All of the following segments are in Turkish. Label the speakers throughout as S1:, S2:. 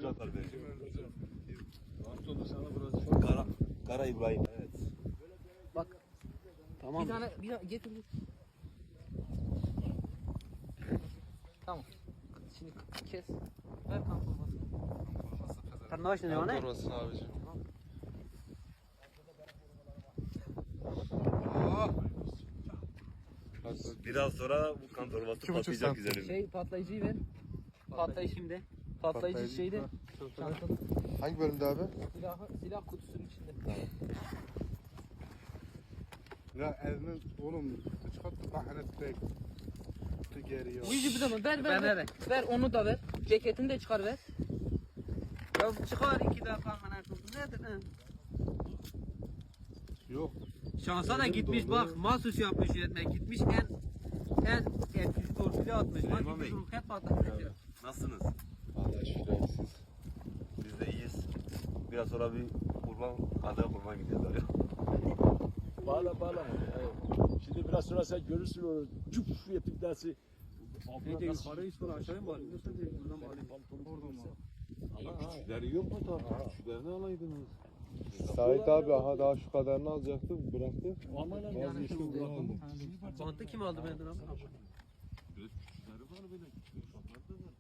S1: atar bence.
S2: Pantolonu sana vuracak.
S1: Kara İbrahim. Evet.
S3: Bak.
S4: Tamam.
S3: Bir tane getir. Tamam. Şimdi kes. Ver kan torbasını.
S4: Sen ne başladın yani?
S2: Orası abicim.
S1: Biraz sonra bu kan torbası patlayacak üzerinde.
S3: Şey patlayıcıyı ver. Patlayıcı şimdi. Patlayıcı şeyde. Çantada.
S2: Hangi bölümde abi?
S3: Silah kutusunun içinde.
S2: Ya elini oğlum çıkarttı kahret bek. Geriye.
S3: Uyucu bir zaman ver. Ver onu da ver. Ceketini de çıkar ver.
S4: Ya çıkar 2 defa bana tutun. Nedir ha?
S2: Yok.
S4: Şansa da gitmiş bak mahsus yapmış yönetmen. Gitmiş en etkili torpili atmış. Bak
S1: Süleyman Bey.
S4: gitmiş hep atmış.
S1: Nasılsınız?
S2: Allah şükür siz.
S1: Biz de iyiyiz. Biraz sonra bir adaya kurban gideceğiz abi.
S5: Bağla. Evet. Şimdi biraz sonra sen görürsün onu. Cüp yapıp dersi.
S4: Ne de yukarı üstüne aşağıya mı alayım? Nasıl değil? Buradan mı alayım?
S5: Oradan mı?
S2: Ama küçükleri yok mu tabii? Küçüklerini alaydınız. Sait abi aha daha şu kadarını alacaktı bıraktı.
S5: Aman lan
S2: Bazı işte bunu aldı.
S4: Bantı kim aldı benden abi?
S2: Biraz küçükleri var böyle. Küçük ufaklar da var.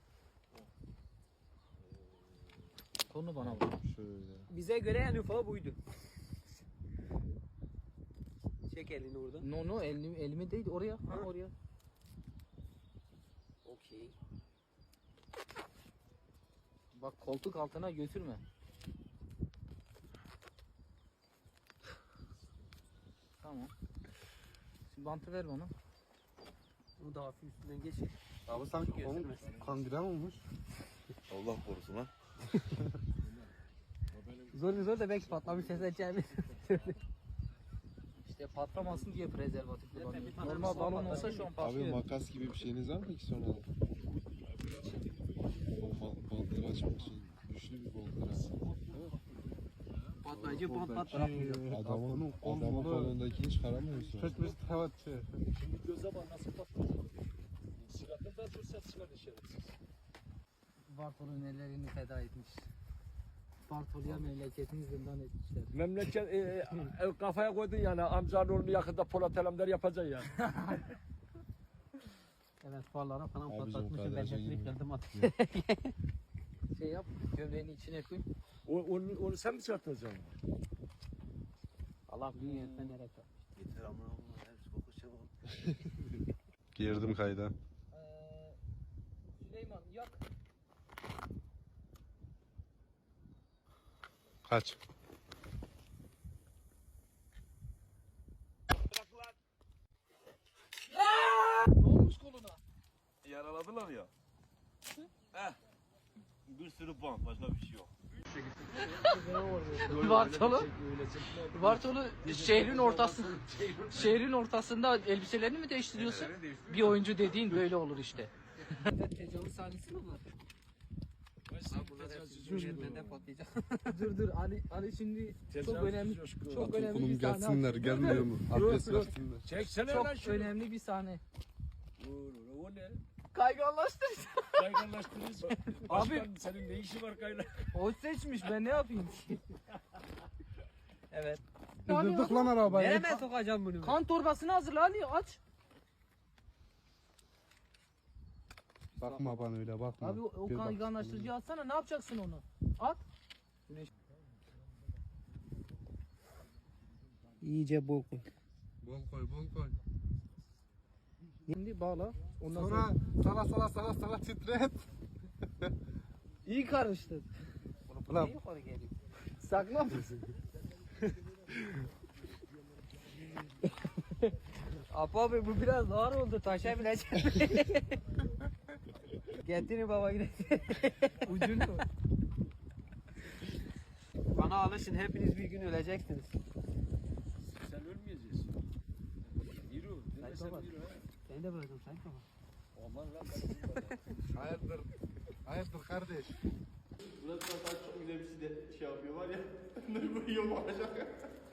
S3: Konu bana vur.
S2: Şöyle.
S4: Bize göre en ufağı buydu. Çek elini oradan.
S3: No elime değil oraya. Ha oraya. Okey. Bak koltuk altına götürme. Tamam. Şimdi bantı ver bana.
S4: Bunu da hafif üstünden geç.
S2: Abi sanki onun kangren olmuş.
S1: Allah korusun lan.
S3: Zor da belki patlamış ses açabilir. İşte patlamasın diye prezervatif kullanıyorum. Normal balon olsa şu an
S2: Abi
S3: patlıyor.
S2: makas gibi bir şeyiniz var mı peki sonra? O bantları açmak için güçlü bir bantlar abi.
S4: Patlayıcı bant bırakmayacak.
S2: Adamın kolundakini çıkaramıyorsun.
S5: Şimdi göze bak nasıl patlayacak. Silahını da çok ses çıkar şerefsiz.
S3: Bartol'un ellerini feda etmiş. Bartol'ya memleketini zindan etmişler.
S5: Memleket kafaya koydun yani amcanın oğlunu yakında Polat Alemdar yapacaksın ya.
S4: Evet farlara falan
S2: Abicim,
S4: patlatmışım. Ben
S2: kadraja
S4: hepsini
S2: girme.
S4: kendim attım.
S3: Şey yap, gömleğini içine koy.
S5: Onu sen mi çıkartacaksın?
S4: Allah büyük yönetmen nereye kalmış.
S1: Yeter amına koyayım. Hepsi kokuşacak oğlum.
S2: Girdim kayda.
S3: Süleyman yak.
S2: Kaç.
S3: Ne olmuş koluna?
S1: Yaraladılar ya. Bir sürü bant. Başka bir şey yok.
S3: Bartolu şehrin ortasında elbiselerini mi değiştiriyorsun? Bir oyuncu dediğin böyle olur işte. Tecavüz sahnesi mi bu?
S4: Yönetmenden patlayacak.
S3: dur Ali şimdi çok önemli
S2: Okulum
S3: bir sahne.
S2: gelsinler gelmiyor mu? Abdest versinler.
S5: Çeksene lan
S3: Çok
S5: şunu.
S3: önemli bir sahne.
S5: O ne?
S3: Kayganlaştır.
S5: Kayganlaştırırız. Başkan senin ne işi var kaygan?
S3: O seçmiş ben ne yapayım ki?
S4: Evet.
S2: Durduk lan arabayı.
S4: Nereye sokacağım bunu?
S3: Kan torbasını hazırla Ali aç.
S2: Bakma bana öyle bakma.
S3: Abi o
S2: Bir bak.
S3: kayganlaştırıcıyı atsana ne yapacaksın onu? At.
S4: İyice bol koy.
S2: Bol koy.
S3: Şimdi bağla. Ondan
S2: Sonra sağa titret.
S3: iyi karıştır.
S2: Ulan
S4: Yukarı geliyor.
S3: Sakla mısın?
S4: Abi bu biraz ağır oldu. Taşa binecek. Getirin baba gidelim.
S3: Ucunu.
S4: Bana alışın. Hepiniz bir gün öleceksiniz.
S5: Sen ölmeyeceksin. Yürü. Deme sen
S4: baba.
S5: yürü ha.
S4: Seni de bırakırım sen tamam.
S5: Aman lan.
S2: hayırdır kardeş.
S1: Burası çok güzel bir şey de yapıyor var ya. Ne bu yok olacak.